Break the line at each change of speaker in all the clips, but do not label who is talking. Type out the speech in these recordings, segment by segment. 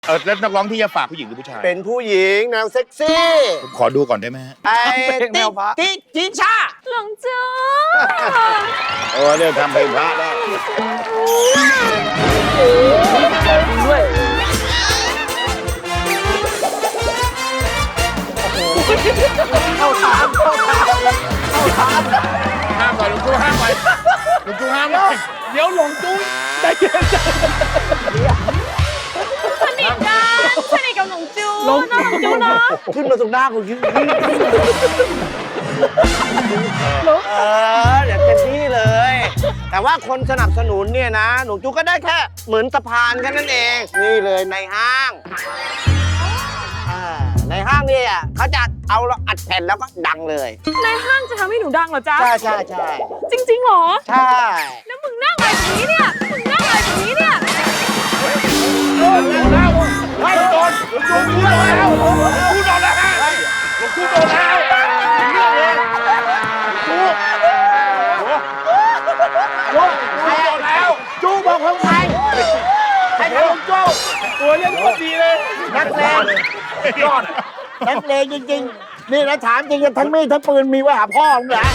แล้วนักร้องที่จะฝากผู้หญิงหรือผู้ชาย
เป็นผู้หญิงแนวเซ็กซี่
ขอดูก่อนได้ไหมฮะ
ไอ้ติ๊กจีชา
หลงจู
โอ้เนี่ยทำเพลงพระได้
ด้วย เข้าถาม
ห้ามก่อนลุงจู้ห้ามไปลุงจู้ห้ามเลย
เดี๋ยวหลงจู้ใจเย็น
สนิทกันสนิทกับหลงจูน้องหลงจูนะ
ขึ้นมาตรงหน้ากูคิดอยากเต็มที่เลย แต่ว่าคนสนับสนุนเนี่ยนะ หนูจูก็ได้แค่เหมือนสะพานแค่นั้นเอง นี่เลยในห้างในห้างเนี่ยเขาจะเอาเราอัดแผ่นแล้วก็ดังเลย
ในห้างจะทำให้หนูดังเหรอจ๊ะ
ใช่
จริงๆเหรอ
ใช่
แล้วมึงนั่งอะไรแบบนี้เนี่ยมึงนั่งอะไรแบบนี้เนี่ย
ไม่โดนลุงจู้โดนแล้วลุงจู้โดนแล้วฮะลุงจู้โดนแล้วเรื่องเลยจู้โดนแล้ว
จูบอกคนไทยใครทำลุงจู
ตัวเล่นโคตรดีเลย
นักเลงยอดนักเลงจริงๆ นี่นะถามจริงๆทั้งมีดทั้งปืนมีไว้หาพ่อมึงเหรอ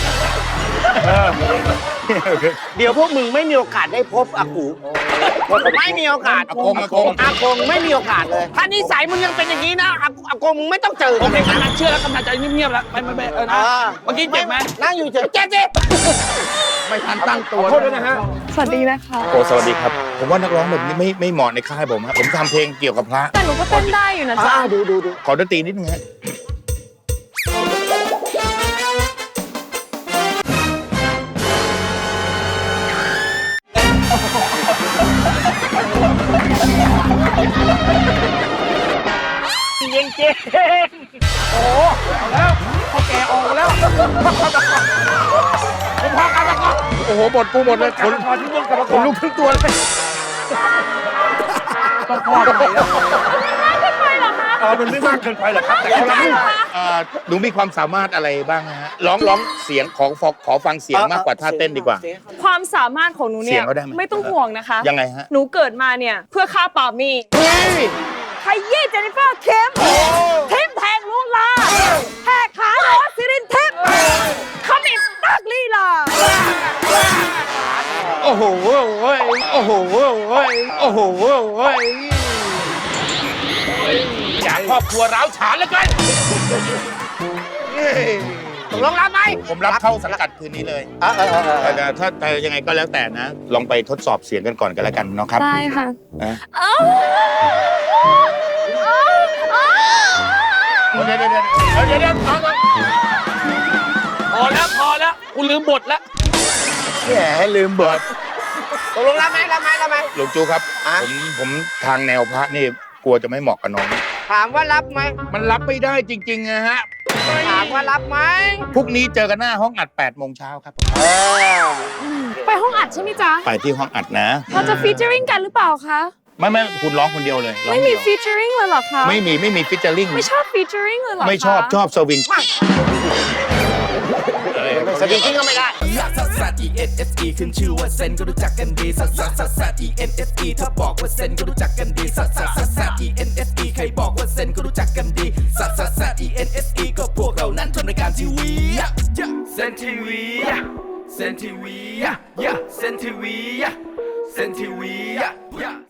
เดี๋ยวพวกมึงไม่มีโอกาสได้พบอากูไม่มีโอกาส
อากง
อากงไม่มีโอกาสเลย ถ้านิสัยมึงยังเป็นอย่างนี้นะอากงมึงไม่ต้องเจอ
โอเคกำลังเชื่อแล้วกำลังใจเงียบๆแล้วไม่นะเมื่อกี้เจ็บไหม
นั่งอยู่เฉยเจ็บสิ
ไม่ทันตั้งตัว
โทษด้วยนะฮะ
สวัสดีนะคะ
โอ้สวัสดีครับ ผมว่านักร้องแบบนี้ไม่เหมาะในค่ายผมครับผมทำเพลงเกี่ยวกับพระ
แต่หนูก็เต้นได้อยู่นะจ๊ะ
ดู
ขอดนตรีนิดนึงฮะโอ้โหหมดปูหมดเลยขนลุกทั้งตัวเลย
ต้องพอดไปแล้ว
มันไม่มากเกินไปหรอกครับแต่หนูมีความสามารถอะไรบ้างฮะร้องเสียงขอฟังเสียงมากกว่าท่าเต้นดีกว่า
ความสามารถของหนู
เสี
เนี่ย
งเขาได้ไหม
ไม่ต้องห่วงนะคะ
ยังไงฮะ
หนูเกิดมาเนี่ยเพื่อฆ่าปามี่ขยี้เจนนิเฟอร์เคมทิมแทงลุงลาแหกขาโรสซิรินทิพย์ขมิบตักลีลา
โอ้โหโอ้โหโอ้โหอยากครอบครัวร้าวฉานเหลือเกิน
ตกลงรับไหม
ผมรับเข้าสังกัดคืนนี้เลยแต่ถ้ายังไงก็แล้วแต่นะ ลองไปทดสอบเสียงกันก่อนกันแล้วกันเนาะครับ
ได้ค่ะ
นะ
เดี๋ยวพอแล้วกูลืมบทแล้ว
แหมลืมเบิด
ตกลงรับไหม
หลวงจูครับผมทางแนวพระนี่กลัวจะไม่เหมาะกับน้อง
ถามว่ารับไหม
มันรับไม่ได้จริงๆนะฮะ
ถามว่ารับไหม
พรุ่งนี้เจอกันหน้าห้องอัด8 โมงเช้าครับ
ไปห้องอัดใช่ไหมจ๊ะ
ไปที่ห้องอัดนะ
เราจะฟีเจอริงกันหรือเปล่าคะ
ไม่คุณร้องคนเดียวเลยร้อง
ไม่มี
เดียว
ฟีเจอริงเลยเหรอคะ
ไม่มีฟิชเจอริง
ไม่ชอบฟีเจอริงเลยเหรอคะ
ไม่ชอบสวิง
สวิงกิ้งก็ไม่ได้
ซัสซัส E N S E ขึ้นชื่อว่าเซนก็รู้จักกันดีซัสซัสซัสซัส E N S E ถ้าบอกว่าเซนก็รู้จักกันดีซัสซัสซัสซัส E N S E ใครบอกว่าเซนก็รู้จักกันดีซัสซัสซัส E N S E ก็พวกเรานั้นทำรายการทีวีเซนทีวีเซนทีวีเซนทีวีเซนทีวี